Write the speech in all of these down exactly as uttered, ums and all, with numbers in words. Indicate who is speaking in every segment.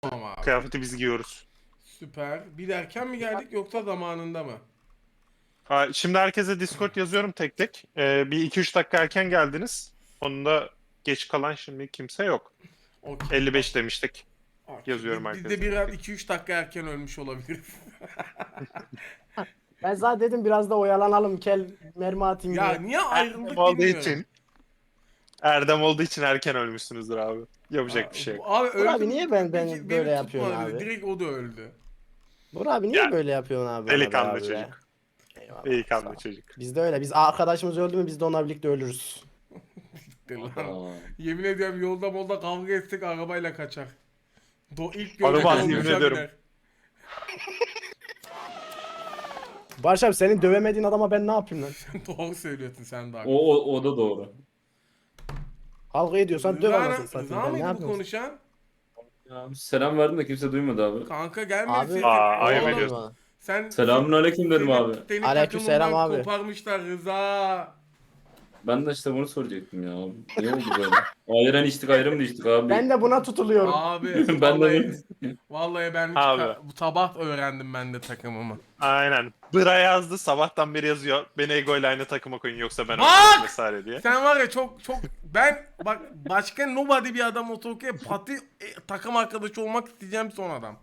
Speaker 1: Tamam abi.
Speaker 2: Kıyafeti biz giyiyoruz.
Speaker 1: Süper. Bir de erken mi geldik yoksa zamanında mı?
Speaker 2: Ha, şimdi herkese Discord yazıyorum tek tek. Ee, bir iki üç dakika erken geldiniz. Onun da geç kalan şimdi kimse yok.
Speaker 1: Okey.
Speaker 2: elli beş demiştik.
Speaker 1: Okey.
Speaker 2: Yazıyorum
Speaker 1: Biz, biz de
Speaker 2: herkese.
Speaker 1: biraz iki üç dakika erken ölmüş olabiliriz.
Speaker 3: Ben zaten dedim biraz da oyalanalım kel mermi atayım
Speaker 1: Ya
Speaker 3: diye.
Speaker 1: niye
Speaker 2: Erdem
Speaker 1: ayrıldık
Speaker 2: olduğu
Speaker 1: bilmiyorum.
Speaker 2: için. Erdem olduğu için erken ölmüşsünüzdür abi. Yapacak bir şey yok.
Speaker 1: Abi öldüm.
Speaker 3: abi niye ben- ben
Speaker 1: Beni
Speaker 3: böyle
Speaker 1: tutmadı
Speaker 3: yapıyorsun
Speaker 1: bir de.
Speaker 3: abi?
Speaker 1: Direkt o da öldü.
Speaker 3: Bora abi niye
Speaker 2: Ya,
Speaker 3: böyle yapıyorsun abi bana be
Speaker 2: Delikanlı
Speaker 3: abi be?
Speaker 2: çocuk.
Speaker 3: Eyvallah, sağ
Speaker 2: Delikanlı
Speaker 3: ol.
Speaker 2: çocuk.
Speaker 3: Biz de öyle. Biz arkadaşımız öldü mü biz de onunla birlikte ölürüz.
Speaker 1: Lan.
Speaker 4: Aa.
Speaker 1: Yemin ediyorum yolda molda kavga etsek arabayla kaçar. Do ilk
Speaker 2: Olmaz,
Speaker 1: gördüğüm
Speaker 2: yemin
Speaker 1: dolmuşa
Speaker 2: ediyorum.
Speaker 1: biner.
Speaker 3: Barış abi senin dövemediğin adama ben ne yapayım lan?
Speaker 1: Doğru söylüyorsun sen de.
Speaker 4: O, o, o da doğru.
Speaker 3: Kavga ediyorsan döv
Speaker 1: Rıza,
Speaker 3: anasını satayım.
Speaker 1: Rıza
Speaker 3: Ben ne
Speaker 1: mıydı bu
Speaker 3: yapayım?
Speaker 1: konuşan?
Speaker 4: Ya, selam verdim de kimse duymadı abi.
Speaker 1: Kanka gelmedi
Speaker 3: Abi-
Speaker 1: sesin.
Speaker 2: Aa, ayıp
Speaker 1: Oğlum,
Speaker 2: ediyorsun.
Speaker 1: Sen
Speaker 4: Selamünaleyküm dedim
Speaker 1: seni-
Speaker 4: abi.
Speaker 1: Seni
Speaker 3: Aleykümselam
Speaker 1: takımından
Speaker 3: abi.
Speaker 1: koparmışlar Rıza.
Speaker 4: Ben de işte bunu soracaktım ya. Ne oldu böyle? Ayran içtik ayrı mı içtik abi?
Speaker 3: Ben de buna tutuluyorum.
Speaker 1: Abi
Speaker 4: Ben de
Speaker 1: vallahi,
Speaker 4: böyle-
Speaker 1: vallahi ben hiç
Speaker 2: Abi.
Speaker 1: ka- bu sabah öğrendim ben de takımımı.
Speaker 2: Aynen. Bıra yazdı. Sabahtan beri yazıyor. Beni Ego ile aynı takıma koyun yoksa ben
Speaker 1: Bak!
Speaker 2: oynarım vesaire diye.
Speaker 1: Sen var ya çok çok ben bak başka nobody bir adam otoke pati e, takım arkadaşı olmak isteyeceğim son adam.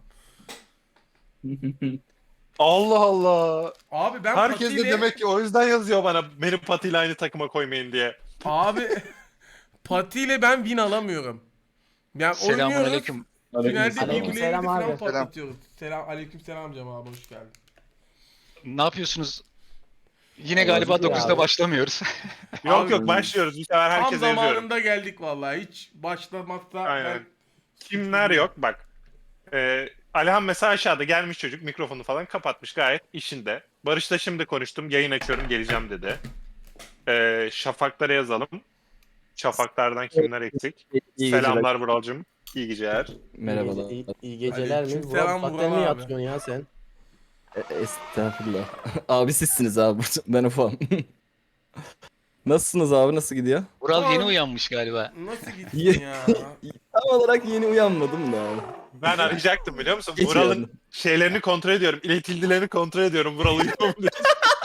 Speaker 2: Allah Allah.
Speaker 1: Abi ben
Speaker 2: Herkes de
Speaker 1: patiyle
Speaker 2: demek ki o yüzden yazıyor bana beni Pati ile aynı takıma koymayın diye.
Speaker 1: abi patiyle ben win alamıyorum. Yani oynuyoruz.
Speaker 5: Selamünaleyküm.
Speaker 1: Finalde
Speaker 4: Aleykümselam.
Speaker 1: birbirlerini
Speaker 3: Selam
Speaker 1: falan
Speaker 3: abi.
Speaker 1: patlatıyoruz. Selam aleykümselam Cem abi hoş geldin.
Speaker 5: Ne yapıyorsunuz? Yine
Speaker 4: Allah
Speaker 5: galiba
Speaker 3: şükür
Speaker 5: dokuzda
Speaker 3: abi.
Speaker 5: başlamıyoruz.
Speaker 2: Yok
Speaker 1: Abi-
Speaker 2: yok başlıyoruz. Bu sefer
Speaker 1: Tam
Speaker 2: herkese yazıyorum.
Speaker 1: zamanında geldik vallahi. Hiç başlamazsa
Speaker 2: Aynen.
Speaker 1: ben
Speaker 2: Kimler yok bak. Ee, Alihan mesela aşağıda gelmiş çocuk mikrofonu falan kapatmış gayet işinde. Barış'la şimdi konuştum yayın açıyorum geleceğim dedi. Ee, Şafaklara yazalım. Şafaklardan kimler eksik?
Speaker 6: İyi
Speaker 2: Selamlar Buralcığım. İyi geceler.
Speaker 6: Merhabalar.
Speaker 3: İyi, iyi geceler mi?
Speaker 1: Aleykümselam
Speaker 3: Vural
Speaker 1: Vural
Speaker 3: zaten mi
Speaker 1: abi.
Speaker 3: yatıyorsun ya sen?
Speaker 6: E- Estağfurullah. Abi sizsiniz abi. Ben ufam. Nasılsınız abi? Nasıl gidiyor?
Speaker 5: Vural yeni
Speaker 1: Abi-
Speaker 5: uyanmış galiba.
Speaker 1: nasıl gitsin
Speaker 6: Ye-
Speaker 1: ya?
Speaker 6: Tam olarak yeni uyanmadım da abi.
Speaker 2: Ben arayacaktım biliyor musun?
Speaker 6: Geç
Speaker 2: Vural'ın
Speaker 6: uyandım.
Speaker 2: şeylerini kontrol ediyorum. İletildilerini kontrol ediyorum. Vural uyuyor mu diye.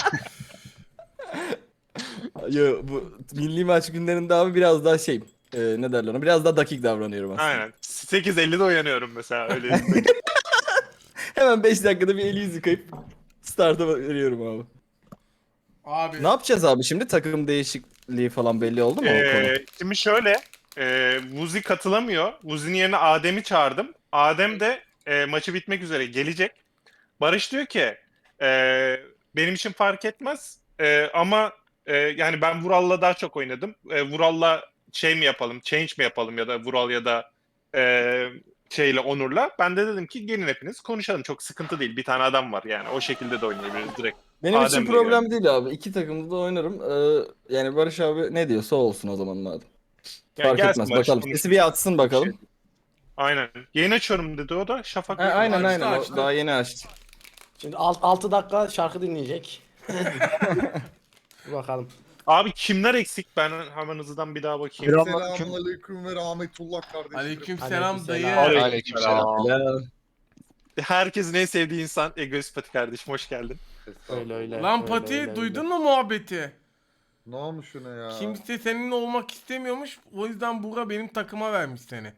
Speaker 6: Yo, bu milli maç günlerinde abi biraz daha şey, e, ne derler ona? Biraz daha dakik davranıyorum aslında.
Speaker 2: Aynen. sekiz ellide uyanıyorum mesela öyle.
Speaker 6: Hemen beş dakikada bir eli yüzü yıkayıp start'a veriyorum abi.
Speaker 1: Abi
Speaker 6: Ne yapacağız abi şimdi? Takım değişikliği falan belli oldu mu o konu?
Speaker 2: Ee, şimdi şöyle, e, Vuzi katılamıyor. Vuzi'nin yerine Adem'i çağırdım. Adem de e, maçı bitmek üzere gelecek. Barış diyor ki, e, benim için fark etmez e, ama e, yani ben Vural'la daha çok oynadım. E, Vural'la şey mi yapalım, change mi yapalım ya da Vural ya da e, şeyle Onur'la. Ben de dedim ki gelin hepiniz konuşalım. Çok sıkıntı değil. Bir tane adam var yani. O şekilde de oynayabiliriz direkt.
Speaker 6: Benim
Speaker 2: Adem
Speaker 6: için
Speaker 2: de
Speaker 6: problem değil abi. İki takımda da oynarım. Ee, yani Barış abi ne diyorsa olsun o zaman madem.
Speaker 2: Yani
Speaker 6: Fark
Speaker 2: gelsin
Speaker 6: etmez.
Speaker 2: Barış,
Speaker 6: Bakalım.
Speaker 2: konuşuruz.
Speaker 6: Sesi bir atsın bakalım.
Speaker 2: Aynen. Yayın açıyorum dedi o da. Şafak
Speaker 6: Ha, aynen
Speaker 1: Açtı,
Speaker 6: aynen. O
Speaker 1: açtı.
Speaker 6: daha yeni açtı.
Speaker 3: Şimdi altı dakika şarkı dinleyecek. Dur bakalım.
Speaker 2: Abi kimler eksik? Ben hemen hızlıdan bir daha bakayım.
Speaker 7: Selamünaleyküm ve rahmetullah kardeşim.
Speaker 1: aleykümselam dayı.
Speaker 3: Aleykümselam.
Speaker 5: Aleykümselam.
Speaker 6: Selam.
Speaker 2: Herkesin en sevdiği insan Egoist Pati kardeşim hoş geldin.
Speaker 3: Öyle öyle.
Speaker 1: Lan
Speaker 3: öyle,
Speaker 1: Pati
Speaker 3: öyle,
Speaker 1: duydun
Speaker 3: öyle.
Speaker 1: mu muhabbeti?
Speaker 7: Ne olmuş şuna ya?
Speaker 1: Kimse seninle olmak istemiyormuş. O yüzden Buğra benim takıma vermiş seni.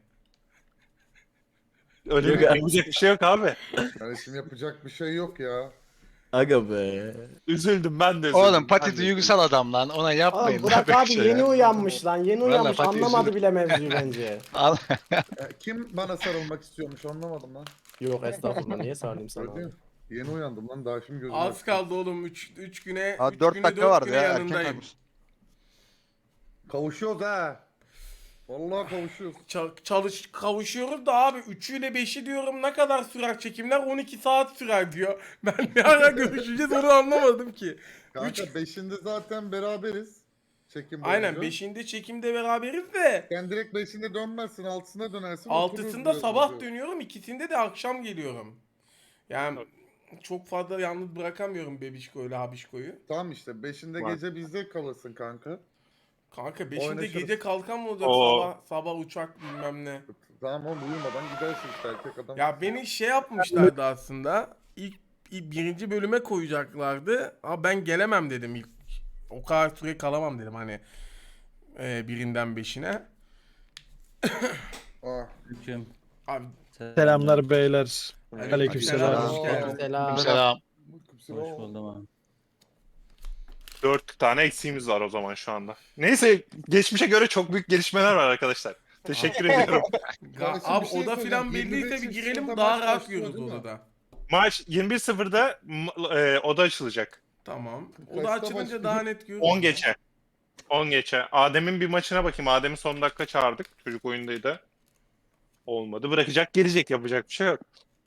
Speaker 2: Öyle
Speaker 6: Yok
Speaker 2: bir,
Speaker 6: abi.
Speaker 2: yapacak bir şey yok abi.
Speaker 7: Kardeşim yapacak bir şey yok ya.
Speaker 6: Aga be.
Speaker 2: Üzüldüm ben de üzüldüm.
Speaker 5: Oğlum
Speaker 2: ben
Speaker 5: Pati
Speaker 2: de
Speaker 5: duygusal adam lan. Ona yapmayın.
Speaker 3: Oğlum Burak
Speaker 5: böyle
Speaker 3: abi
Speaker 5: şey
Speaker 3: yeni
Speaker 5: ya.
Speaker 3: uyanmış lan. Yeni
Speaker 5: Vallahi
Speaker 3: uyanmış.
Speaker 5: Fatih
Speaker 3: Anlamadı
Speaker 5: üzüldüm.
Speaker 3: bile mevzuyu bence.
Speaker 5: Al.
Speaker 7: E, Kim bana sarılmak istiyormuş anlamadım lan.
Speaker 3: Yok estağfurullah niye sardım sana
Speaker 7: Öyle
Speaker 3: abi?
Speaker 7: değil mi? Yeni uyandım lan daha şimdi gözüm
Speaker 1: Az
Speaker 7: açtı.
Speaker 1: kaldı oğlum. üç güne
Speaker 8: Ha
Speaker 1: üç
Speaker 8: dört
Speaker 1: güne
Speaker 8: dakika
Speaker 1: dört
Speaker 8: vardı
Speaker 1: güne
Speaker 8: ya erken
Speaker 1: yanındayım.
Speaker 8: kalmış.
Speaker 7: Kavuşuyoruz ha. Vallahi kavuşuyoruz.
Speaker 1: Ça- çalış kavuşuyoruz da abi üçüyle beşi diyorum ne kadar sürer çekimler on iki saat sürer diyor. Ben ne ara görüşeceğiz onu anlamadım ki.
Speaker 7: Kanka beşinde zaten beraberiz. Çekim boyunca.
Speaker 1: Aynen beşinde çekimde beraberiz de
Speaker 7: Sen direkt beşinde dönmezsin altısına dönersin.
Speaker 1: altısında
Speaker 7: otururuz
Speaker 1: sabah
Speaker 7: diyor.
Speaker 1: dönüyorum ikisinde de akşam geliyorum. Yani çok fazla yalnız bırakamıyorum bebişko ile habişkoyu.
Speaker 7: Tamam işte beşinde
Speaker 2: Var.
Speaker 7: gece bizde kalırsın kanka.
Speaker 1: Kanka beşinde
Speaker 7: Oynaşırız.
Speaker 1: gece kalkan mı olacak
Speaker 2: Oo.
Speaker 1: sabah sabah uçak bilmem ne.
Speaker 7: Tamam oğlum uyumadan gidersin işte erkek adam.
Speaker 1: Ya beni şey yapmışlardı aslında. İlk, ilk birinci bölüme koyacaklardı. Ama ben gelemem dedim ilk. O kadar süre kalamam dedim hani. E, birinden beşine.
Speaker 7: Ah.
Speaker 1: Abi
Speaker 8: Selamlar beyler. Aleykümselam.
Speaker 1: hoş geldin.
Speaker 5: Selam.
Speaker 7: Hoş
Speaker 4: buldum abi.
Speaker 2: Dört tane eksiğimiz var o zaman şu anda. Neyse geçmişe göre çok büyük gelişmeler var arkadaşlar. Teşekkür ediyorum.
Speaker 1: Ga-
Speaker 7: Kardeşim,
Speaker 1: abi
Speaker 7: bir şey
Speaker 1: oda
Speaker 7: söyleyeceğim.
Speaker 1: filan belliyse
Speaker 7: yirmi beş
Speaker 1: bir girelim
Speaker 7: yaşında
Speaker 1: daha
Speaker 7: maç
Speaker 1: rahat
Speaker 7: başlıyor,
Speaker 1: görürüz
Speaker 7: değil mi?
Speaker 1: odada.
Speaker 2: Maç yirmi bir sıfırda m- e, oda açılacak.
Speaker 1: Tamam.
Speaker 7: Kaçta
Speaker 1: Oda açılınca
Speaker 7: başlıyor?
Speaker 1: daha net görürüz.
Speaker 2: on geçe. on geçe. Adem'in bir maçına bakayım. Adem'i son dakika çağırdık. Çocuk oyundaydı. Olmadı. Bırakacak gelecek. Yapacak bir şey yok.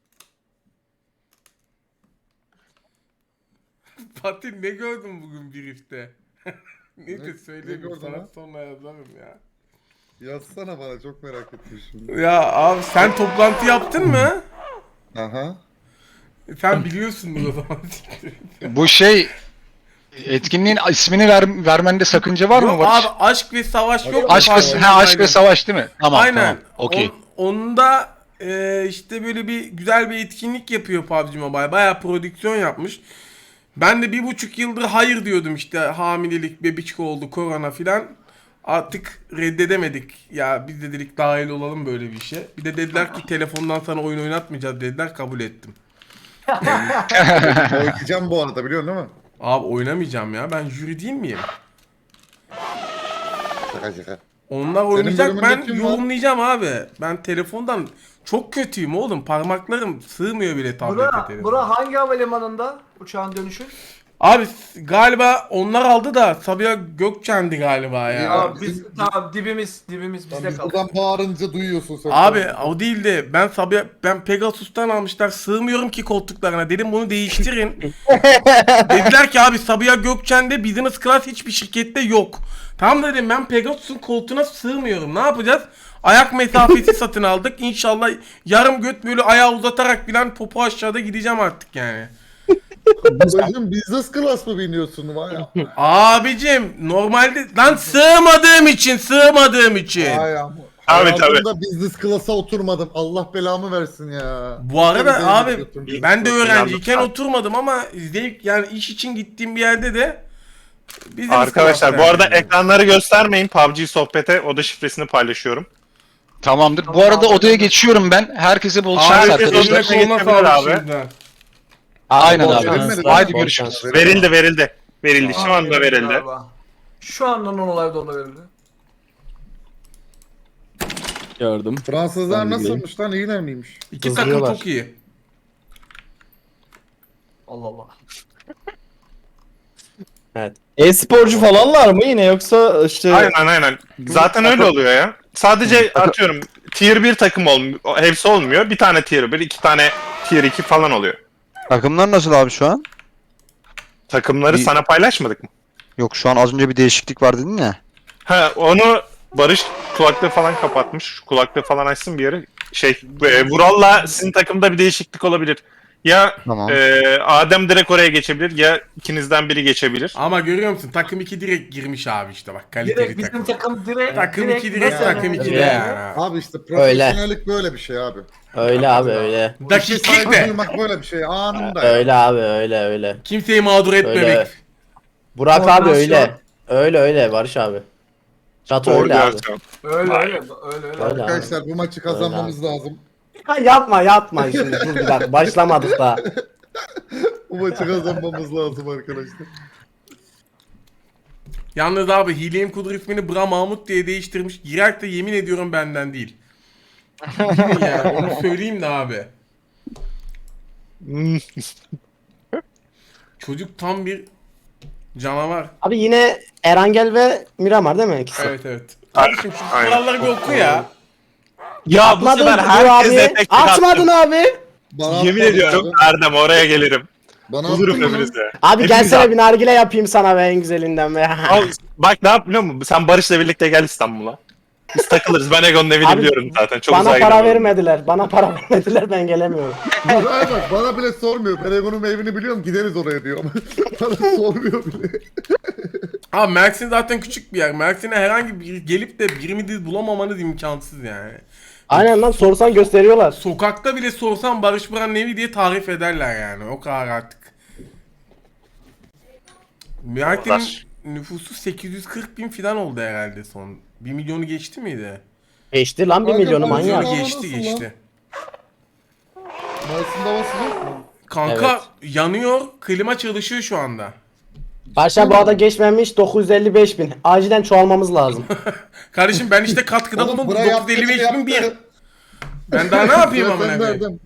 Speaker 1: Fatih ne gördün bugün brief'te? Neyse
Speaker 7: Ne- ne
Speaker 1: söyleyeyim
Speaker 7: gördün
Speaker 1: sana
Speaker 7: ha?
Speaker 1: sonra yazarım ya.
Speaker 7: Yazsana bana çok merak ettim şimdi.
Speaker 1: Ya abi sen toplantı yaptın mı?
Speaker 7: Aha.
Speaker 1: Sen biliyorsundur o zaman.
Speaker 5: Bu şey etkinliğin ismini ver, vermende sakınca var mı
Speaker 1: Yok
Speaker 5: Barış?
Speaker 1: abi aşk ve savaş yok. mu
Speaker 5: Aşk ve,
Speaker 1: Fatih?
Speaker 5: ha, aşk ve
Speaker 1: Aynen.
Speaker 5: savaş değil mi? Tamam
Speaker 1: Aynen.
Speaker 5: tamam. Okey.
Speaker 1: On- onda e, işte böyle bir güzel bir etkinlik yapıyor P U B G Mobile. Bayağı prodüksiyon yapmış. Ben de bir buçuk yıldır hayır diyordum işte hamilelik, bebiçik oldu, korona filan. Artık reddedemedik. Ya biz de dedik dahil olalım böyle bir işe. Bir de dediler ki telefondan sana oyun oynatmayacağız dediler, kabul ettim.
Speaker 7: Oynayacağım bu arada biliyorsun değil mi?
Speaker 1: Abi oynamayacağım ya, ben jüri değil miyim?
Speaker 7: Şaka şaka.
Speaker 1: Onlar oynayacak,
Speaker 7: bölümünde
Speaker 1: ben
Speaker 7: kim var?
Speaker 1: yorumlayacağım abi. Ben telefondan çok kötüyüm oğlum. Parmaklarım sığmıyor bile tablete
Speaker 9: Bura,
Speaker 1: telefona.
Speaker 9: bura hangi havalimanında uçağın dönüşü?
Speaker 1: Abi s- galiba onlar aldı da Sabiha Gökçen'di galiba ya.
Speaker 7: Ya,
Speaker 9: Ya biz
Speaker 7: bizim-
Speaker 9: tamam dibimiz dibimiz
Speaker 7: Lan
Speaker 9: bizde
Speaker 7: biz
Speaker 9: kaldı.
Speaker 7: buradan bağırınca duyuyorsun sen.
Speaker 1: Abi o değil de ben Sabiha ben Pegasus'tan almışlar, sığmıyorum ki koltuklarına, dedim bunu değiştirin. Dediler ki abi Sabiha Gökçen'de business class hiçbir şirkette yok. Tamam dedim, ben Pegasus'un koltuğuna sığmıyorum, ne yapacağız? Ayak mesafesi satın aldık, İnşallah yarım göt böyle ayağı uzatarak bilen popo aşağıda gideceğim artık yani.
Speaker 7: Babacım business class mı biniyorsun var ya?
Speaker 1: Abicim normalde lan sığmadığım için sığmadığım için.
Speaker 7: Ay ama.
Speaker 2: Tabii,
Speaker 7: Hayatımda business class'a oturmadım. Allah belamı versin ya.
Speaker 1: Bu arada
Speaker 7: Tabii,
Speaker 1: abi
Speaker 7: götürdüm.
Speaker 1: ben de öğrenciyken
Speaker 2: Yalnız-
Speaker 1: oturmadım ama zevk yani iş için gittiğim bir yerde de bizim
Speaker 2: Arkadaşlar bu
Speaker 1: sınıfta
Speaker 2: arada
Speaker 1: yani.
Speaker 2: ekranları göstermeyin. P U B G sohbete oda şifresini paylaşıyorum.
Speaker 5: Tamamdır. Bu arada odaya geçiyorum ben. Herkese bol şans
Speaker 1: Abi
Speaker 2: herkes
Speaker 1: eline
Speaker 5: arkadaşlar.
Speaker 2: odasına
Speaker 1: koluna
Speaker 2: geçebilir
Speaker 1: sağlık
Speaker 2: abi.
Speaker 1: şimdiden.
Speaker 5: Aynen
Speaker 3: Bol
Speaker 5: abi.
Speaker 3: şans,
Speaker 7: Verilmedi,
Speaker 5: Haydi
Speaker 7: bol
Speaker 5: görüşürüz.
Speaker 7: şans.
Speaker 2: Verildi verildi. Verildi. Şu
Speaker 9: Aa,
Speaker 2: anda verildi.
Speaker 9: galiba. Şu anda non-live'da ona verildi.
Speaker 6: Gördüm.
Speaker 7: Fransızlar
Speaker 6: Ben de
Speaker 7: nasılmış lan? İyiler miymiş?
Speaker 1: İki takım
Speaker 3: Hızlıyorlar.
Speaker 1: çok iyi.
Speaker 9: Allah Allah.
Speaker 3: Evet.
Speaker 6: E-sporcu falanlar mı yine yoksa işte
Speaker 2: Aynen aynen. Zaten öyle oluyor ya. Sadece atıyorum tier bir takım olmuyor. Hepsi olmuyor. Bir tane tier bir, iki tane tier iki falan oluyor.
Speaker 10: Takımlar nasıl abi şu an?
Speaker 2: Takımları
Speaker 10: Bir-
Speaker 2: sana paylaşmadık mı?
Speaker 10: Yok şu an az önce bir değişiklik var dedin ya.
Speaker 2: Ha onu Barış kulaklığı falan kapatmış. Şu kulaklığı falan açsın bir yere. Şey e, Vural'la sizin takımda bir değişiklik olabilir. Ya
Speaker 10: Tamam.
Speaker 2: e, Adem direkt oraya geçebilir ya ikinizden biri geçebilir.
Speaker 1: Ama görüyor musun takım iki direkt girmiş abi işte bak, kaliteli
Speaker 9: Direkt bizim
Speaker 1: takım.
Speaker 9: takım direkt
Speaker 1: Takım
Speaker 9: direkt
Speaker 1: iki direkt
Speaker 9: nasıl
Speaker 1: takım
Speaker 9: yani?
Speaker 1: iki de
Speaker 3: Öyle.
Speaker 1: yani.
Speaker 7: Abi işte profesyonellik böyle bir şey abi.
Speaker 3: öyle abi öyle.
Speaker 1: Dakiklik
Speaker 7: Saygı
Speaker 1: de.
Speaker 7: duymak böyle bir şey anında. ya.
Speaker 3: Öyle abi öyle öyle.
Speaker 1: Kimseyi mağdur etmemek.
Speaker 3: Öyle. Burak abi
Speaker 9: Koordinasyon.
Speaker 3: öyle. Öyle öyle Barış abi. Çatı öyle abi.
Speaker 2: Koordinasyon.
Speaker 9: Öyle öyle öyle öyle.
Speaker 3: Öyle abi.
Speaker 7: Arkadaşlar bu maçı kazanmamız lazım.
Speaker 3: Ha, yapma yapma şimdi dur bir dakika başlamadık da.
Speaker 7: Bu maçı kazanmamız lazım arkadaşlar.
Speaker 1: Yalnız abi Hileyim Kudur ismini Bra Mahmut diye değiştirmiş. Girer de yemin ediyorum benden değil. Girin yani onu söyleyeyim de abi.
Speaker 2: Hmm.
Speaker 1: Çocuk tam bir canavar.
Speaker 3: Abi yine Erangel ve Miramar değil mi ikisi?
Speaker 1: Evet evet. Kardeşim şu
Speaker 2: Aynen.
Speaker 1: kuralları bir oku ya.
Speaker 2: Ya bu
Speaker 3: Atmadın
Speaker 2: sefer
Speaker 3: Dur
Speaker 2: herkese
Speaker 3: abi.
Speaker 2: tek tek
Speaker 3: Atmadın abi.
Speaker 7: Bana
Speaker 2: Yemin
Speaker 7: atmadın
Speaker 2: ediyorum
Speaker 7: abi.
Speaker 2: Erdem oraya gelirim.
Speaker 7: Bana
Speaker 2: Bulurum
Speaker 7: attın mı?
Speaker 2: hepinizi.
Speaker 3: Abi
Speaker 2: Hepiniz
Speaker 3: gelsene
Speaker 2: at.
Speaker 3: bir nargile yapayım sana be en güzelinden be.
Speaker 2: Al, bak ne yap biliyor musun? Sen Barış'la birlikte gel İstanbul'a. Biz takılırız. Ben Egon'un evini
Speaker 3: Abi,
Speaker 2: biliyorum zaten. Çok
Speaker 3: Bana
Speaker 2: uzağa
Speaker 3: para
Speaker 2: gidemem.
Speaker 3: vermediler. Bana para vermediler ben gelemiyorum.
Speaker 7: Buraya bak bana bile sormuyor. Ben Egon'un evini biliyorum gideriz oraya diyor. Bana sormuyor bile.
Speaker 1: Abi Mersin zaten küçük bir yer. Mersin'e herhangi bir gelip de birini bulamamanız imkansız yani.
Speaker 3: Aynen lan sorsan gösteriyorlar.
Speaker 1: Sokakta bile sorsan Barış Buran'ın evi diye tarif ederler yani. O kadar artık. Mersin'in
Speaker 2: Arkadaş.
Speaker 1: nüfusu sekiz yüz kırk bin falan oldu herhalde son. bir milyonu geçti miydi?
Speaker 3: Geçti lan bir
Speaker 7: Kanka,
Speaker 3: milyonu
Speaker 7: bu
Speaker 3: manyak.
Speaker 7: Hava
Speaker 1: Geçti
Speaker 7: nasıl
Speaker 1: geçti.
Speaker 7: Mersin'de havası yok mu?
Speaker 1: Kanka yanıyor, klima çalışıyor şu anda.
Speaker 3: Barça bu arada geçmemiş dokuz yüz elli beş bin. Acilen çoğalmamız lazım.
Speaker 1: Kardeşim ben işte katkıda
Speaker 7: Oğlum,
Speaker 1: bulundum.
Speaker 7: bura
Speaker 1: dokuz yüz elli beş
Speaker 7: yaptı,
Speaker 1: bin bir.
Speaker 7: yaptı.
Speaker 1: Ben daha ne yapayım
Speaker 7: Sen
Speaker 1: amına koyayım?
Speaker 7: nereden?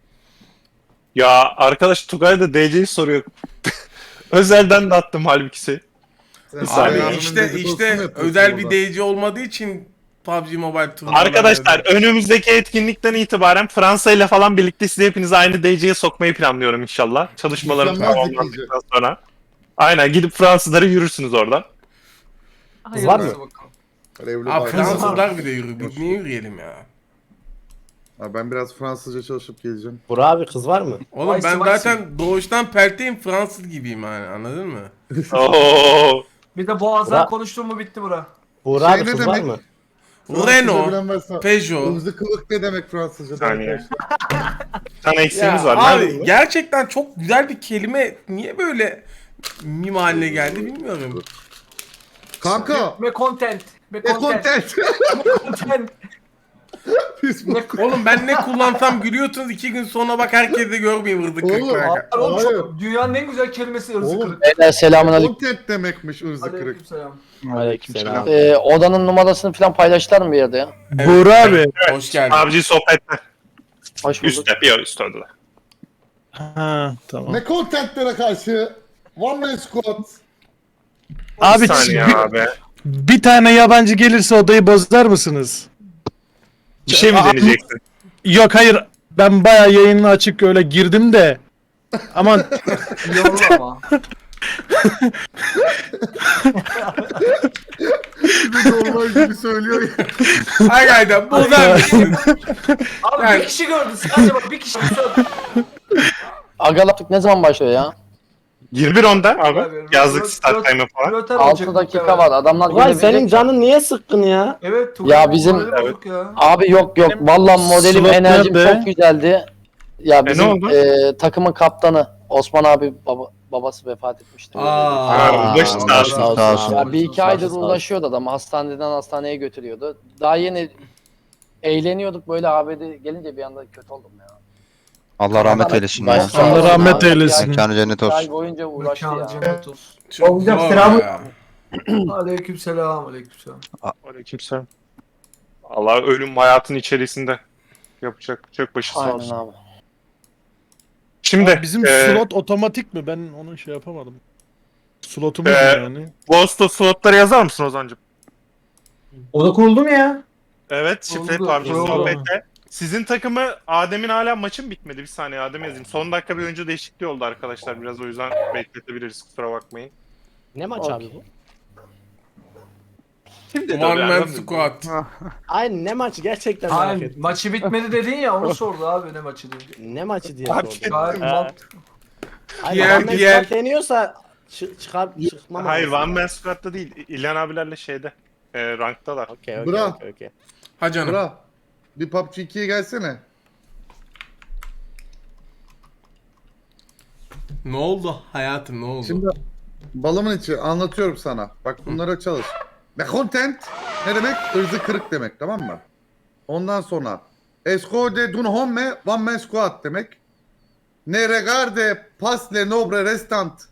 Speaker 2: Ya arkadaş Tugay da D C'yi soruyor. Özelden de attım halbuki.
Speaker 7: Sen
Speaker 1: Abi
Speaker 7: Serdar'ın
Speaker 1: işte
Speaker 7: dedikodusunu
Speaker 1: işte
Speaker 7: yapıyorsun
Speaker 1: özel bir
Speaker 7: orada.
Speaker 1: D C olmadığı için P U B G Mobile turnuvaları
Speaker 2: Arkadaşlar önümüzdeki etkinlikten itibaren Fransa ile falan birlikte sizi hepinizi aynı D C'ye sokmayı planlıyorum inşallah. Çalışmalarım
Speaker 7: Mükemmel
Speaker 2: tamamlandıktan sonra. Aynen gidip Fransızları yürürsünüz oradan.
Speaker 3: Kız var mı?
Speaker 9: Hayırlısı bakalım.
Speaker 7: Evli
Speaker 1: Abi
Speaker 7: barklı.
Speaker 1: Fransızlar bir de yürü. Biz niye yürüyelim ya?
Speaker 7: Abi ben biraz Fransızca çalışıp geleceğim.
Speaker 3: Burak abi kız var mı?
Speaker 1: Oğlum
Speaker 9: Vay
Speaker 1: ben
Speaker 9: vay
Speaker 1: zaten doğuştan pelteyim, Fransız gibiyim yani, anladın mı?
Speaker 2: Oo.
Speaker 9: Bir de boğazdan
Speaker 3: Bura-
Speaker 9: konuştuğum mu bitti bura.
Speaker 3: Burak
Speaker 7: Şey
Speaker 3: abi
Speaker 7: ne
Speaker 3: kız var
Speaker 7: demek?
Speaker 3: mı?
Speaker 7: Fransızca
Speaker 1: Renault,
Speaker 7: bilen varsa-
Speaker 1: Peugeot.
Speaker 7: Irmızı kılık ne demek Fransızca'da
Speaker 2: Saniye.
Speaker 7: arkadaşlar?
Speaker 2: Bir tane eksiğimiz
Speaker 1: Ya
Speaker 2: var.
Speaker 1: abi
Speaker 2: Nerede bu?
Speaker 1: gerçekten çok güzel bir kelime. Niye böyle mim haline geldi bilmiyorum.
Speaker 7: Kanka.
Speaker 9: Me content. Me
Speaker 7: E
Speaker 9: content.
Speaker 7: content.
Speaker 9: Me content.
Speaker 7: Biz bu.
Speaker 1: Oğlum ben ne kullansam gülüyorsunuz, iki gün sonra bak herkes de görmeyeyim hırdı
Speaker 7: Oğlum,
Speaker 1: kırklar.
Speaker 9: Abi, oğlum,
Speaker 7: Hayır.
Speaker 9: çok- dünyanın en güzel kelimesi ırzı
Speaker 7: Oğlum.
Speaker 9: kırık.
Speaker 11: Beyler selamünaleyküm.
Speaker 7: Content demekmiş ırzı kırık.
Speaker 9: Aleykümselam.
Speaker 3: Aleykümselam.
Speaker 11: Ee, odanın numarasını falan paylaştılar mı bir yerde ya?
Speaker 8: Buğra abi.
Speaker 1: Hoş geldin.
Speaker 2: P U B G sohbette.
Speaker 11: Hoş bulduk.
Speaker 2: Üstte. Bir üstte ödüler.
Speaker 8: Ha tamam.
Speaker 7: Ne contentlere karşı? One man squad.
Speaker 8: Abi
Speaker 2: Bir saniye
Speaker 8: bir,
Speaker 2: abi.
Speaker 8: bir tane yabancı gelirse odayı bozar mısınız?
Speaker 2: Bir şey mi
Speaker 8: Aa,
Speaker 2: deneyeceksin?
Speaker 8: Yok hayır. Ben bayağı yayını açık öyle girdim de. Aman
Speaker 9: Yollama.
Speaker 7: Gibi normal gibi söylüyor ya.
Speaker 1: Hakikaten bozar mısın?
Speaker 9: Abi
Speaker 1: Yani-
Speaker 9: bir kişi gördü. Sadece bak bir kişi gördü.
Speaker 11: Agalatlık ne zaman başlıyor ya?
Speaker 2: yirmi bir onda
Speaker 9: Abi,
Speaker 2: abi. Yazlık
Speaker 9: röt-
Speaker 2: start
Speaker 9: röt-
Speaker 2: time'ı falan.
Speaker 9: Röter olacak
Speaker 11: altı dakika
Speaker 9: muhtemelen.
Speaker 11: var. Adamlar
Speaker 3: Ulan senin
Speaker 11: gelebilecek.
Speaker 3: canın niye sıkkın ya?
Speaker 9: Evet. Tugay,
Speaker 11: Ya bizim-
Speaker 9: morali bozuk ya.
Speaker 11: Abi yok yok. Vallahi modelim
Speaker 8: slot
Speaker 11: enerjim
Speaker 8: nerede?
Speaker 11: çok güzeldi. Ya bizim
Speaker 2: oldu?
Speaker 11: e, takımın kaptanı Osman abi baba, babası vefat etmişti.
Speaker 1: Aa.
Speaker 2: Ha, başı
Speaker 3: Allah
Speaker 2: sağ olsun.
Speaker 3: sağ olsun.
Speaker 10: Sağ olsun.
Speaker 11: Ya bir iki
Speaker 3: Sağ
Speaker 11: aydır
Speaker 3: olsun, sağ olsun.
Speaker 11: uğraşıyordu adam. Hastaneden hastaneye götürüyordu. Daha yeni eğleniyorduk böyle abi gelince bir anda kötü oldum ya.
Speaker 10: Allah rahmet eylesin ya.
Speaker 3: Başka-
Speaker 8: Allah rahmet
Speaker 11: Abi,
Speaker 8: eylesin.
Speaker 10: Mekanı cennet
Speaker 11: iki ay
Speaker 10: olsun.
Speaker 11: boyunca uğraştı
Speaker 9: Mekanı
Speaker 11: ya.
Speaker 9: cennet olsun.
Speaker 1: Çok zor ya.
Speaker 9: Aleykümselam. Aleykümselam.
Speaker 2: Aleykümselam. Allah ölüm hayatın içerisinde. Yapacak çok başı sağ
Speaker 11: Aynen
Speaker 2: olsun.
Speaker 11: abi.
Speaker 2: Şimdi
Speaker 8: Abi bizim
Speaker 2: e,
Speaker 8: slot otomatik mi? Ben onu şey yapamadım. Slotumuz
Speaker 2: Ee,
Speaker 8: mu yani?
Speaker 2: Ghost'ta slotları yazar mısın Ozan'cığım?
Speaker 3: O da kuruldu mu ya?
Speaker 2: Evet, şifre
Speaker 9: Oldu,
Speaker 2: P U B G
Speaker 9: oldu.
Speaker 2: sohbette. Sizin takımı Adem'in hala maçı mı bitmedi? Bir saniye Adem yazayım. Son dakika bir oyuncu değişikliği oldu arkadaşlar. Biraz o yüzden bekletebiliriz. Kusura bakmayın.
Speaker 3: Ne maç
Speaker 11: Okey.
Speaker 3: abi bu?
Speaker 2: Kim dedi
Speaker 1: One
Speaker 2: o
Speaker 1: man
Speaker 2: ya?
Speaker 1: squad.
Speaker 3: Ay ne maçı gerçekten merak
Speaker 9: Hayır,
Speaker 3: ettim.
Speaker 9: maçı bitmedi dedin ya onu sordu abi ne maçı diye.
Speaker 3: Ne maçı diye
Speaker 2: Abi,
Speaker 3: sordum.
Speaker 9: Gayet mantıklı.
Speaker 3: Ay
Speaker 1: Diğer-
Speaker 3: Ahmet
Speaker 1: diğer-
Speaker 3: Squad deniyorsa çı- çıkar çıkmam.
Speaker 2: Hayır
Speaker 3: lazım.
Speaker 2: One Man Squad'da değil. İlhan abilerle şeyde. E, ranktalar.
Speaker 3: Okey okey
Speaker 7: Bra.
Speaker 3: okey okey.
Speaker 1: Ha canım.
Speaker 7: Bra. Bir P U B G ikiye gelsene.
Speaker 1: Ne oldu hayatım, ne oldu?
Speaker 7: Şimdi balımın içi anlatıyorum sana. Bak bunlara çalış. Ne content ne demek? Irzı kırık demek tamam mı? Ondan sonra Escode d'un homme one man squad demek. Ne regarde pas le nobre restant.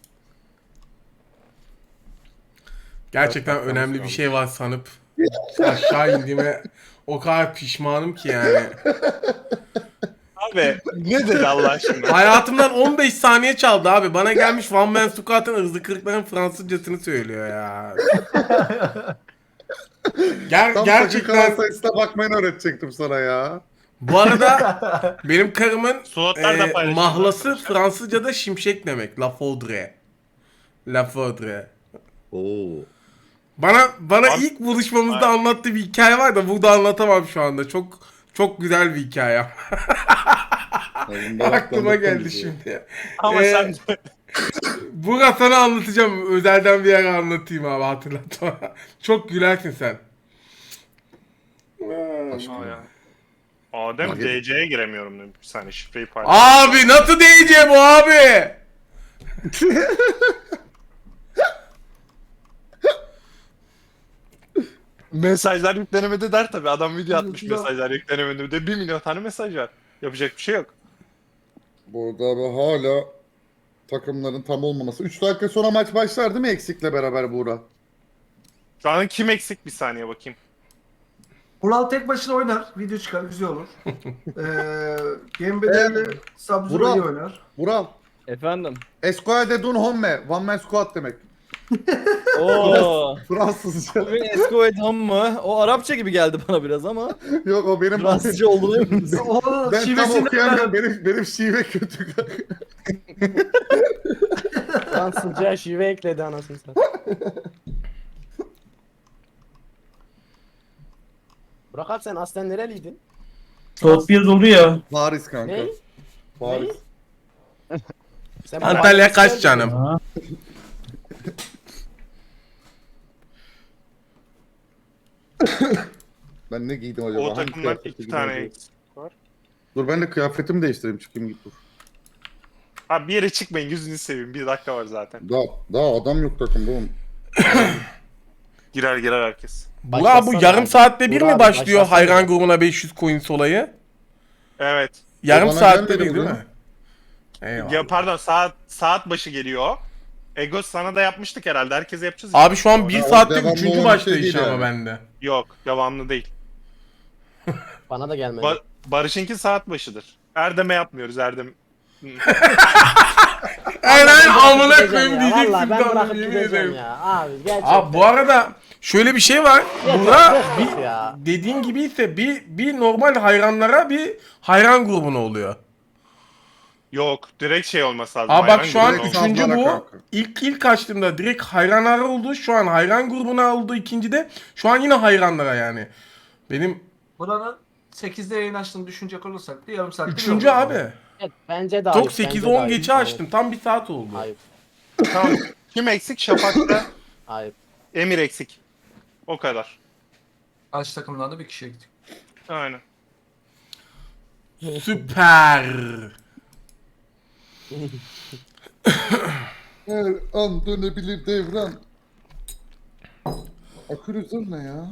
Speaker 1: Gerçekten önemli bir şey var sanıp aşağı indiğime o kadar pişmanım ki yani.
Speaker 2: Abi ne dedi Allah aşkına?
Speaker 1: Hayatımdan on beş saniye çaldı abi. Bana gelmiş One Man Squad'ın hızlı kırıkların Fransızcasını söylüyor ya. Ger
Speaker 7: Tam
Speaker 1: gerçekten
Speaker 7: dakika sayısına bakmayı öğretecektim sana ya.
Speaker 1: bu arada benim karımın
Speaker 2: Slotlar da
Speaker 1: e,
Speaker 2: paylaşın.
Speaker 1: mahlası Fransızca'da şimşek demek. La Faudre. La Faudre.
Speaker 7: Oo.
Speaker 1: Bana bana
Speaker 2: Abi-
Speaker 1: ilk buluşmamızda
Speaker 2: Abi-
Speaker 1: anlattığı bir hikaye var da burada anlatamam şu anda. Çok çok güzel bir hikaye. Aklıma geldi şimdi.
Speaker 2: Ama
Speaker 1: Ee,
Speaker 2: sen
Speaker 1: Burak sana anlatacağım. Özelden bir yere anlatayım abi, hatırlatma. Çok gülersin sen.
Speaker 2: Aa, ya. Adem
Speaker 7: Abi-
Speaker 2: D C'ye giremiyorum demiş. Bir saniye şifreyi paylaş.
Speaker 1: Abi nasıl diyeceğim bu abi?
Speaker 2: Mesajlar yüklenemedi der tabi. Adam video atmış
Speaker 9: Ya.
Speaker 2: mesajlar yüklenemedi de bir milyon tane mesaj var. Yapacak bir şey yok.
Speaker 7: Burada abi hala takımların tam olmaması. üç dakika sonra maç başlar değil mi eksikle beraber Buğra?
Speaker 2: Şu an kim eksik bir saniye bakayım.
Speaker 9: Vural tek başına oynar. Video çıkar. Güzel olur. Eee Gembe'de
Speaker 7: Evet.
Speaker 9: Sabzura
Speaker 7: Vural.
Speaker 9: iyi oynar.
Speaker 7: Vural.
Speaker 6: Efendim.
Speaker 7: Esquade dun homme. One man squad demek.
Speaker 6: Oo.
Speaker 7: Fransızca.
Speaker 6: Bugün Esko Edham mı? O Arapça gibi geldi bana biraz ama
Speaker 7: Yok o benim.
Speaker 6: Fransızca olduğunu emin misin?
Speaker 9: Oğlum
Speaker 7: Ben tam
Speaker 9: şivesini
Speaker 7: okuyamıyorum. Benim, benim şive kötü.
Speaker 3: Fransızca şive ekledi anasını satayım. Burak abi sen aslen nereliydin?
Speaker 8: Soğut bir oldu ya.
Speaker 7: Paris kanka.
Speaker 3: Ne?
Speaker 7: Paris.
Speaker 3: Sen
Speaker 1: Antalya kaç
Speaker 3: Paris'ten-
Speaker 1: canım?
Speaker 7: Ben ne giydim acaba?
Speaker 2: O
Speaker 7: Hangi
Speaker 2: takımdan
Speaker 7: kıyafeti
Speaker 2: iki
Speaker 7: giydim
Speaker 2: tane
Speaker 7: acaba?
Speaker 2: eksik var.
Speaker 7: Dur ben de kıyafetimi değiştireyim çıkayım git dur.
Speaker 2: Abi bir yere çıkmayın yüzünü seveyim. Bir dakika var zaten.
Speaker 7: Daha, daha adam yok takımda oğlum.
Speaker 2: Girer girer herkes.
Speaker 1: Burak bu
Speaker 3: Başlasana
Speaker 1: yarım
Speaker 3: abi.
Speaker 1: saatte bir
Speaker 3: Burak
Speaker 1: mi
Speaker 3: abi,
Speaker 1: başlıyor
Speaker 3: başlasana.
Speaker 1: hayran grubuna beş yüz coins olayı?
Speaker 2: Evet.
Speaker 1: Yarım
Speaker 7: bana
Speaker 1: saatte
Speaker 7: gelmedi
Speaker 1: bir değil
Speaker 7: bu.
Speaker 1: mi? Eyvallah.
Speaker 2: Ya pardon saat saat başı geliyor. Egos sana da yapmıştık herhalde. Herkese yapacağız.
Speaker 1: Abi şu an bir
Speaker 7: Ya,
Speaker 1: saatte
Speaker 7: devamlı
Speaker 1: üçüncü
Speaker 7: olan bir
Speaker 1: başlıyor
Speaker 7: şey değil
Speaker 1: iş ama
Speaker 7: yani.
Speaker 1: bende.
Speaker 2: Yok devamlı değil.
Speaker 3: Bana da gelmedi.
Speaker 2: Ba- Barış'ınki saat başıdır. Erdem'e yapmıyoruz Erdem.
Speaker 1: Aynen amına
Speaker 3: Gideceğim
Speaker 1: koyayım
Speaker 3: ya,
Speaker 1: diyeceksin
Speaker 3: vallahi ben
Speaker 1: sandım,
Speaker 3: bırakıp
Speaker 1: yemin
Speaker 3: gideceğim
Speaker 1: ederim.
Speaker 3: ya. Abi gerçekten.
Speaker 1: Abi bu arada şöyle bir şey var. Burak
Speaker 3: Bıktık ya.
Speaker 1: dediğin gibi ise bir bir normal hayranlara bir hayran grubuna oluyor.
Speaker 2: Yok direkt şey olması lazım.
Speaker 1: Aa bak
Speaker 2: hayran
Speaker 1: şu an
Speaker 2: grubu olması.
Speaker 1: üçüncü
Speaker 7: Sallana
Speaker 1: bu.
Speaker 7: kanka.
Speaker 1: İlk ilk açtığımda direkt hayranlara oldu. Şu an hayran grubuna oldu ikincide. Şu an yine hayranlara yani. Benim
Speaker 9: Buranın sekizde yayın açtığını düşünecek olursak da yarım saatte
Speaker 1: üçüncü
Speaker 9: bir olur.
Speaker 1: abi.
Speaker 3: Evet, bence de ayıp.
Speaker 1: Çok sekiz
Speaker 3: bence de
Speaker 1: on
Speaker 3: ayıp.
Speaker 1: geçe açtım. Tam bir saat oldu.
Speaker 3: Ayıp.
Speaker 2: Tamam. Kim eksik? Şafak'ta
Speaker 3: Ayıp.
Speaker 2: Emir eksik. O kadar.
Speaker 9: Aç takımdan da bir kişi ektik.
Speaker 2: Aynen.
Speaker 1: Süper.
Speaker 7: Her an dönebilir devran. Akülüzör ne ya?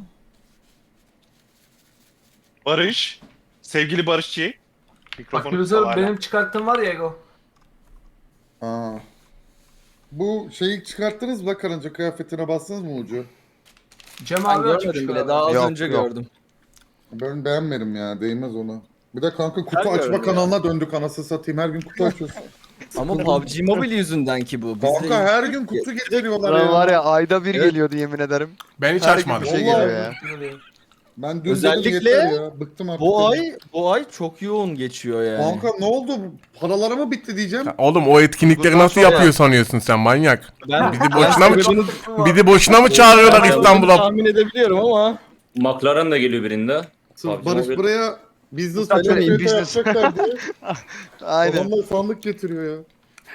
Speaker 2: Barış. Sevgili Barışçı.
Speaker 9: Bak
Speaker 2: Mikrofonu
Speaker 9: Gülüzer
Speaker 2: kapalı hala.
Speaker 9: benim çıkarttığım var ya Ego.
Speaker 7: Aa. Bu şeyi çıkarttınız mı? Karınca kıyafetine bastınız mı ucu?
Speaker 9: Cem
Speaker 6: Ben
Speaker 9: abi açmış
Speaker 6: görmedim bile.
Speaker 9: galiba.
Speaker 6: Daha az
Speaker 10: Yok,
Speaker 6: önce
Speaker 10: yok.
Speaker 6: gördüm.
Speaker 7: Ben beğenmedim ya. Değmez ona. Bir de kanka kutu
Speaker 6: Her
Speaker 7: açma
Speaker 6: gördüm
Speaker 7: kanalına döndük anasını satayım. Her gün kutu açıyorsun.
Speaker 6: Ama P U B G Mobile yüzünden ki bu. Bizde
Speaker 7: Kanka her gün kutu getiriyorlar
Speaker 10: Buran
Speaker 7: ya.
Speaker 10: var ya ayda bir
Speaker 7: Evet.
Speaker 10: geliyordu yemin ederim.
Speaker 1: Ben hiç
Speaker 10: Her gün
Speaker 1: açmadım.
Speaker 10: bir şey
Speaker 7: Vallahi
Speaker 10: geliyor ya.
Speaker 7: Ben dün
Speaker 6: Özellikle
Speaker 7: dedim yeter ya. Bıktım artık.
Speaker 6: bu
Speaker 7: dedim.
Speaker 6: ay bu ay çok yoğun geçiyor yani.
Speaker 7: Kanka ne oldu? Paraları mı bitti diyeceğim.
Speaker 1: Oğlum o etkinlikleri
Speaker 10: Bundan
Speaker 1: nasıl
Speaker 10: sonra-
Speaker 1: yapıyor sanıyorsun sen manyak?
Speaker 6: ben
Speaker 1: Bizi boşuna mı
Speaker 6: sebebini-
Speaker 1: bizi boşuna mı çağırıyorlar
Speaker 6: sebebini
Speaker 1: İstanbul'a?
Speaker 6: tahmin edebiliyorum ama
Speaker 4: McLaren da geliyor birinde.
Speaker 7: Sırf
Speaker 4: Abi,
Speaker 7: Barış
Speaker 4: mobil-
Speaker 7: buraya business
Speaker 6: Saçma
Speaker 7: activity
Speaker 10: değil, business.
Speaker 7: yapacaklar diye.
Speaker 10: Aynen.
Speaker 7: Adamlar sandık getiriyor ya.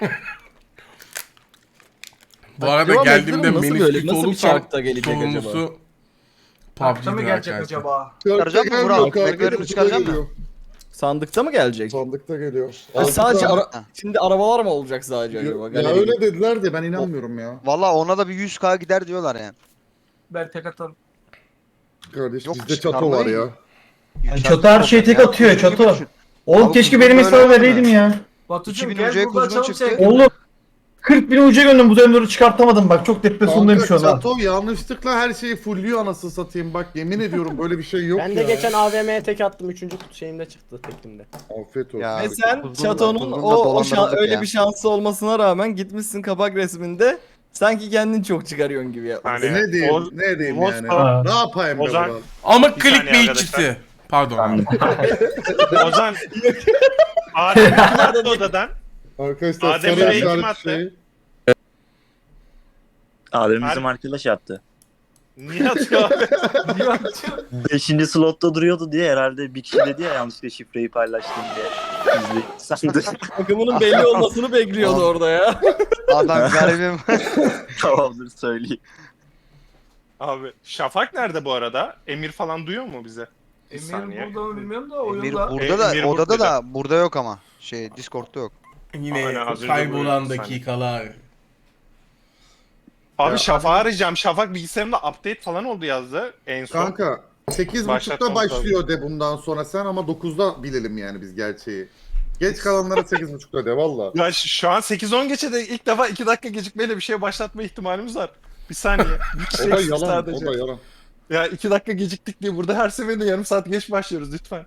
Speaker 1: Bu arada
Speaker 6: Acaba
Speaker 1: geldiğimde
Speaker 6: Nasıl böyle-
Speaker 1: menisküs
Speaker 6: nasıl bir
Speaker 1: olursam
Speaker 6: çarkta gelecek
Speaker 1: sorumlusu
Speaker 9: Parkta mı
Speaker 1: P U B G'dir
Speaker 9: gelecek
Speaker 1: arkadaşlar.
Speaker 9: acaba?
Speaker 10: Çıkaracak mı
Speaker 7: Gelmiyor
Speaker 10: Burak?
Speaker 7: kanka,
Speaker 10: McLaren'i
Speaker 7: kutuda
Speaker 10: çıkaracak mı?
Speaker 7: geliyor.
Speaker 6: sandıkta mı gelecek?
Speaker 7: Sandıkta geliyor.
Speaker 6: Ha, sadece
Speaker 7: Altı
Speaker 6: ara- şimdi arabalar mı olacak sadece
Speaker 7: tane-
Speaker 6: acaba?
Speaker 7: Ya
Speaker 6: Galeri
Speaker 7: öyle
Speaker 6: gibi.
Speaker 7: dediler de ben inanmıyorum ya.
Speaker 10: Valla ona da bir yüz K gider diyorlar yani.
Speaker 9: Ben tek atarım.
Speaker 7: Kardeş
Speaker 10: Yok,
Speaker 7: bizde çato
Speaker 10: çıkarmayı-
Speaker 7: var ya.
Speaker 8: Çatı her şeyi tek atıyor çatı. Oğlum
Speaker 10: Abi
Speaker 8: keşke
Speaker 10: bu
Speaker 8: benim
Speaker 10: böyle
Speaker 8: hesabı
Speaker 10: olmadı.
Speaker 8: vereydim ya.
Speaker 9: Batucuğum
Speaker 10: iki bin
Speaker 9: gel
Speaker 10: ucuya
Speaker 9: burada
Speaker 10: kuzgun
Speaker 9: açalım
Speaker 10: çıktı.
Speaker 9: sen.
Speaker 8: Oğlum kırk bin uca gönderdim bu dönemleri çıkartamadım bak çok depresyondayım şu
Speaker 7: Kanka
Speaker 8: anda.
Speaker 7: çato yanlışlıkla her şeyi fullüyor anasını satayım. Bak yemin ediyorum böyle bir şey yok
Speaker 3: Ben
Speaker 7: ya.
Speaker 3: de geçen A V M'ye tek attım. Üçüncü kutu şeyimde çıktı tekimde.
Speaker 7: Afiyet olsun.
Speaker 10: Ya,
Speaker 6: Ve sen
Speaker 10: kuzgunla-
Speaker 6: Çato'nun
Speaker 10: kuzgunla
Speaker 6: o, o şan-
Speaker 10: dolandırıldık
Speaker 6: öyle
Speaker 10: ya.
Speaker 6: bir şansı olmasına rağmen gitmişsin kapak resminde sanki kendin çok çıkarıyorsun gibi ya.
Speaker 2: Yani
Speaker 7: E ne diyeyim?
Speaker 2: Oz-
Speaker 7: ne diyeyim
Speaker 2: Oz
Speaker 7: yani?
Speaker 2: falan-
Speaker 7: Ne yapayım be
Speaker 2: Ozan-
Speaker 7: Burak?
Speaker 1: Amık
Speaker 2: Bir saniye
Speaker 1: clickbaitçisi. Pardon abi.
Speaker 2: Ozan. Adem kim attı odadan?
Speaker 7: Arkadaşlar
Speaker 2: Adem
Speaker 7: sarı
Speaker 2: Bey kim
Speaker 7: işaret
Speaker 2: attı?
Speaker 7: şey.
Speaker 12: Adem
Speaker 2: Her-
Speaker 12: bizim arkadaş yaptı.
Speaker 2: Niye atıyor abi?
Speaker 9: Niye atıyor?
Speaker 12: Beşinci slotta duruyordu diye herhalde bir kişi dedi ya yanlışlıkla şifreyi paylaştım diye. Gizli sandı.
Speaker 6: Takımının belli olmasını bekliyordu orada ya.
Speaker 10: Adam garibim.
Speaker 12: Tamamdır söyleyeyim.
Speaker 2: Abi Şafak nerede bu arada? Emir falan duyuyor mu bize? Bir
Speaker 9: Emir
Speaker 2: saniye.
Speaker 9: burada mı bilmiyorum da
Speaker 10: Emir
Speaker 9: oyunda.
Speaker 10: burada da
Speaker 2: Emir
Speaker 10: odada
Speaker 2: burada.
Speaker 10: da burada yok ama. Şey Discord'da yok.
Speaker 1: Yine
Speaker 2: Aynen, az önce
Speaker 1: kaybolan
Speaker 2: buyurdun
Speaker 1: dakikalar.
Speaker 2: Abi
Speaker 7: Ya,
Speaker 2: Şafak'ı arayacağım. Şafak bilgisayarımda update falan oldu yazdı en son.
Speaker 7: Kanka sekiz buçukta
Speaker 2: Başlatmamız
Speaker 7: başlıyor de bundan sonra sen ama dokuzda bilelim yani biz gerçeği. Geç kalanlara sekiz buçukta de valla.
Speaker 2: Ya şu şu an sekiz on geçe de ilk defa iki dakika gecikmeyle bir şey başlatma ihtimalimiz var. Bir saniye. Bir kişi
Speaker 7: O da
Speaker 2: eksik
Speaker 7: yalan,
Speaker 2: sadece.
Speaker 7: o da yalan.
Speaker 2: Ya iki dakika geciktik diye burada her seferinde yarım saat geç başlıyoruz lütfen.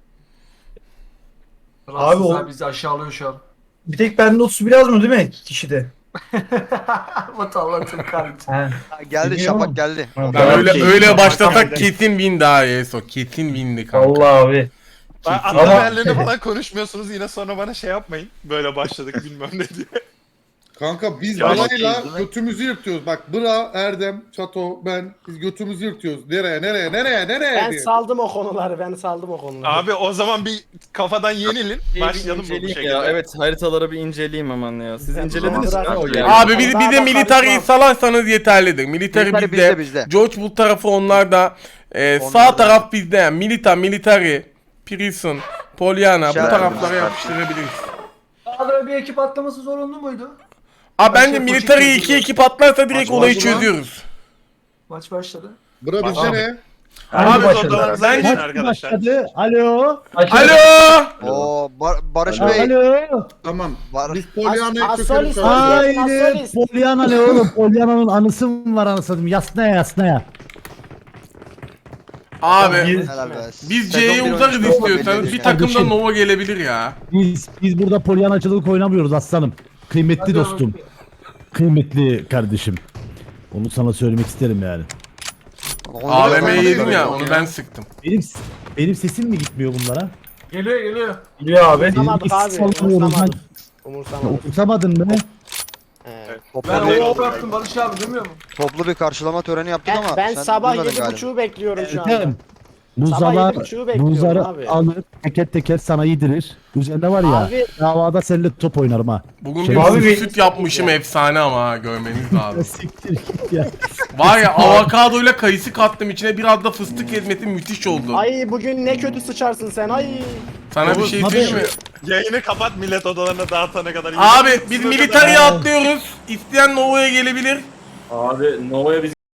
Speaker 9: Abi
Speaker 8: o-
Speaker 9: o bizi aşağılıyor şu an.
Speaker 8: Bir tek bende otuz bir yazmıyor değil mi kişide?
Speaker 9: Vatandaşın kardeşim.
Speaker 10: Ha, geldi
Speaker 8: Biliyorum.
Speaker 10: Şafak geldi.
Speaker 8: Ha,
Speaker 1: Ben öyle
Speaker 2: Okey.
Speaker 1: öyle başlasak
Speaker 2: Tamam.
Speaker 1: kesin win daha Eso. Kesin win'di kanka.
Speaker 8: Allah abi.
Speaker 2: Ben
Speaker 8: Ama-
Speaker 2: ana değerlerini falan konuşmuyorsunuz yine sonra bana şey yapmayın. Böyle başladık bilmem ne diye.
Speaker 7: Kanka biz
Speaker 2: Ya,
Speaker 7: Bra'yla
Speaker 12: değil mi?
Speaker 7: götümüzü yırtıyoruz. Bak Bra, Erdem, Çato, ben biz götümüzü yırtıyoruz. Nereye nereye nereye nereye
Speaker 3: Ben
Speaker 7: diye.
Speaker 3: saldım o konuları. Ben saldım o konuları.
Speaker 2: Abi o zaman bir kafadan yenilin.
Speaker 6: Bir
Speaker 2: Başlayalım bu
Speaker 6: inceleyeyim
Speaker 2: şekilde.
Speaker 6: ya. Evet haritaları bir inceleyeyim hemen ya. Siz
Speaker 3: Ben
Speaker 6: incelediniz mi?
Speaker 3: bırak-
Speaker 6: O yani.
Speaker 1: Abi bir, bir
Speaker 3: Daha
Speaker 1: de
Speaker 3: da
Speaker 1: militariyi
Speaker 3: karışmam.
Speaker 1: salarsanız yeterlidir. Militari
Speaker 10: Military
Speaker 1: bizde.
Speaker 10: bizde bizde.
Speaker 1: George Bull tarafı onlarda. Ee,
Speaker 10: Onlar
Speaker 1: sağ
Speaker 10: da-
Speaker 1: taraf bizde. Yani Milita, Military, Prison, Pollyanna bu
Speaker 10: Şahane.
Speaker 1: taraflara yapıştırabiliriz.
Speaker 9: Daha bir ekip atlaması zorunlu muydu?
Speaker 1: Abi bence
Speaker 9: Başka
Speaker 1: Military'yi
Speaker 9: koçuk
Speaker 1: iki
Speaker 9: yok.
Speaker 1: ekip atlarsa direkt
Speaker 2: Maç
Speaker 1: olayı
Speaker 2: başladı.
Speaker 1: çözüyoruz.
Speaker 9: Maç başladı.
Speaker 7: Bra bizde
Speaker 2: Abi.
Speaker 7: ne?
Speaker 2: Abi
Speaker 8: başladı?
Speaker 2: odalarınıza geçin arkadaşlar.
Speaker 8: Alo.
Speaker 1: Alo!
Speaker 10: Oo Bar- Barış
Speaker 8: Alo.
Speaker 10: Bey.
Speaker 8: Alo.
Speaker 7: Tamam.
Speaker 10: Var.
Speaker 7: Biz Polyana'yı
Speaker 3: As-
Speaker 7: çökelim.
Speaker 3: Asolis-
Speaker 7: sonra.
Speaker 3: Ay.
Speaker 8: Haydi. Polyana ne oğlum? Polyana'nın anısı mı var anasını? Yasnaya yasnaya.
Speaker 1: Abi
Speaker 10: Helal be.
Speaker 1: biz
Speaker 10: Sezon
Speaker 1: C'ye
Speaker 10: bir
Speaker 1: uzarız
Speaker 10: oyuncusu
Speaker 1: istiyorsanız.
Speaker 10: belli
Speaker 1: Bir
Speaker 10: yani.
Speaker 1: takımda
Speaker 8: Kardeşim.
Speaker 1: Nova gelebilir ya.
Speaker 8: Biz biz burada polyanacılık oynamıyoruz aslanım. Kıymetli
Speaker 9: Hadi
Speaker 8: dostum.
Speaker 9: oğlum.
Speaker 8: Kıymetli kardeşim. Onu sana söylemek isterim yani.
Speaker 10: Onu
Speaker 1: A V
Speaker 10: da-
Speaker 1: M'yi yedim ya
Speaker 10: onu
Speaker 1: onu ben sıktım.
Speaker 8: Benim benim sesim mi gitmiyor bunlara?
Speaker 9: Geliyor geliyor.
Speaker 8: Biliyor abi.
Speaker 3: Umursamadık abi. Umursamadık. Umursamadık.
Speaker 8: Oturtamadın mı?
Speaker 3: Evet.
Speaker 10: Toplu,
Speaker 9: Ben
Speaker 10: bir,
Speaker 9: o yaptım Barış abi demiyor musun?
Speaker 10: toplu bir karşılama töreni yaptık
Speaker 3: Ben,
Speaker 10: ama
Speaker 3: ben
Speaker 10: sen
Speaker 3: sabah
Speaker 10: duymadın
Speaker 3: yedi
Speaker 10: galiba.
Speaker 3: buçuğu bekliyorum şu anda.
Speaker 8: Ertem. Bu
Speaker 3: Sabah
Speaker 8: zalar
Speaker 3: yedi buçuğu
Speaker 8: bu
Speaker 3: bekliyorum
Speaker 8: zarı
Speaker 3: abi.
Speaker 8: alır teker teker sana yedirir. Üzerinde var ya
Speaker 3: Abi-
Speaker 8: davada seninle top oynarım ha.
Speaker 1: Bugün
Speaker 8: Şey-
Speaker 1: bir
Speaker 8: Abi
Speaker 1: süt,
Speaker 3: bir-
Speaker 1: süt yapmışım efsane ama ha görmeniz
Speaker 8: Ya
Speaker 1: lazım.
Speaker 8: siktir git ya.
Speaker 1: Var ya avokadoyla kayısı kattım içine biraz da fıstık ezmesi müthiş oldu.
Speaker 3: Ay bugün ne kötü sıçarsın sen ay.
Speaker 1: Sana bir şey
Speaker 8: Abi-
Speaker 1: söyleyeyim mi?
Speaker 2: Yayını kapat millet odalarına dağıtana kadar.
Speaker 1: Abi biz militariye atlıyoruz. İsteyen Nova'ya gelebilir.
Speaker 4: Abi Nova'ya biz